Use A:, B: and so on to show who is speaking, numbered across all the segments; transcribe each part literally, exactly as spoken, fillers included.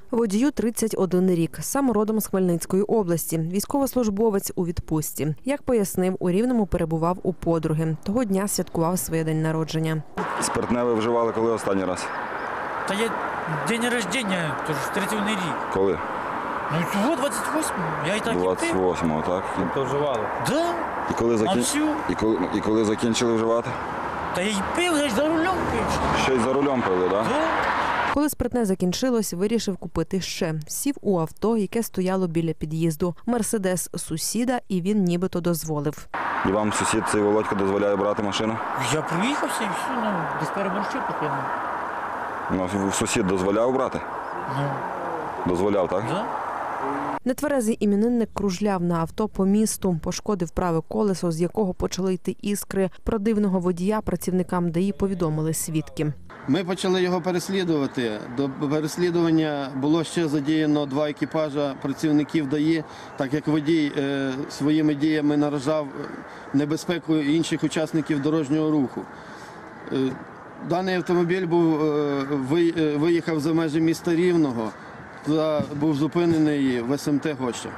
A: Водію тридцять один рік, сам родом з Хмельницької області, військовослужбовець у відпустці. Як пояснив, у Рівному перебував у подруги. Того дня святкував своє день народження.
B: Спиртне ви вживали коли останній раз?
C: Та є день народження, тож тридцять один рік.
B: Коли?
C: Ну цього двадцять восьмого, я і так і пив.
B: двадцять восьмого, так?
D: То вживали?
C: Да.
B: І коли, закін...
C: всю?
B: і, коли... і коли закінчили вживати?
C: Та я й пив, я ж за рулем пив.
B: Ще й за рулем пили, так?
C: Да.
A: Коли спиртне закінчилось, вирішив купити ще. Сів у авто, яке стояло біля під'їзду. Мерседес сусіда, і він нібито дозволив.
B: І вам сусід цей Володько дозволяє брати машину?
C: Я проїхався і все, ну, десь переборщив поки.
B: Ну, сусід дозволяв брати?
C: Ну,
B: Дозволяв, так?
C: да.
A: Нетверезий іменинник кружляв на авто по місту, пошкодив праве колесо, з якого почали йти іскри. Про дивного водія працівникам ДАІ повідомили свідки.
E: Ми почали його переслідувати. До переслідування було ще задіяно два екіпажа працівників ДАІ, так як водій е, своїми діями наражав небезпеку інших учасників дорожнього руху. Е, даний автомобіль був, е, ви, е, виїхав за межі міста Рівного та був зупинений в ес ем те Гоща.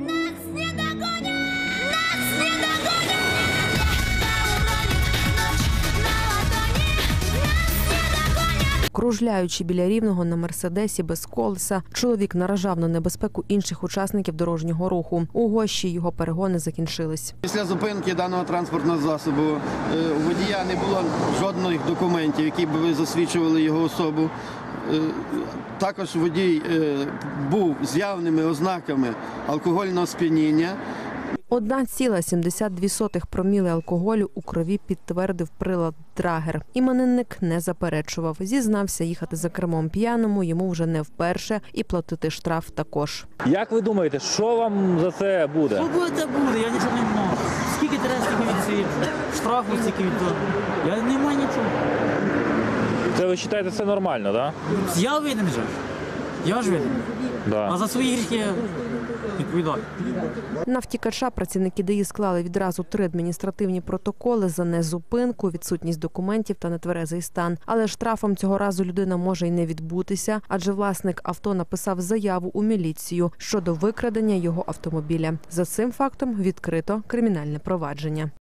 A: Кружляючи біля Рівного на Мерседесі без колеса, чоловік наражав на небезпеку інших учасників дорожнього руху. У Гощі його перегони закінчились.
E: Після зупинки даного транспортного засобу е, у водія не було жодних документів, які б засвідчували його особу. Е, Також водій е, був з явними ознаками алкогольного сп'яніння.
A: одна ціла сімдесят дві сотих проміли алкоголю у крові підтвердив прилад Драгер. Іменинник не заперечував. Зізнався, їхати за кермом п'яному йому вже не вперше і платити штраф також.
D: Як ви думаєте, що вам за це буде?
C: Що буде, те буде, я нічого не маю. Скільки треба, стільки відсидів, штрафу стільки віддав. Я не маю нічого.
D: Це ви вважаєте, це нормально, так?
C: Я винен же. Я ж винен.
D: Да?
C: А
D: Да.
C: за свої гріхи я відповідаю.
A: На втікача працівники ДАІ склали відразу три адміністративні протоколи за незупинку, відсутність документів та нетверезий стан. Але штрафом цього разу людина може й не відбутися, адже власник авто написав заяву у міліцію щодо викрадення його автомобіля. За цим фактом відкрито кримінальне провадження.